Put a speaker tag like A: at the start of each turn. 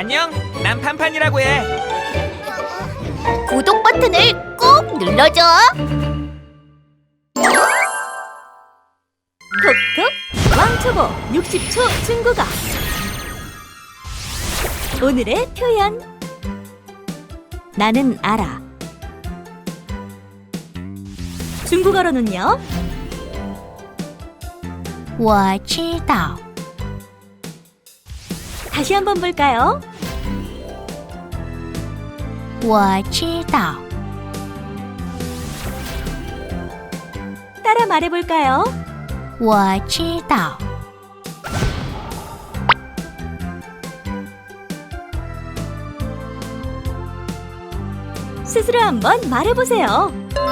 A: 안녕, 난 판판이라고 해.
B: 구독 버튼을 꼭 눌러줘.
C: 톡톡 왕초보 60초 중국어. 오늘의 표현. 나는 알아. 중국어로는요.
B: 我知道
C: 다시 한번 볼까요?
B: 我知道
C: 따라 말해볼까요?
B: 我知道
C: 스스로 한번 말해보세요.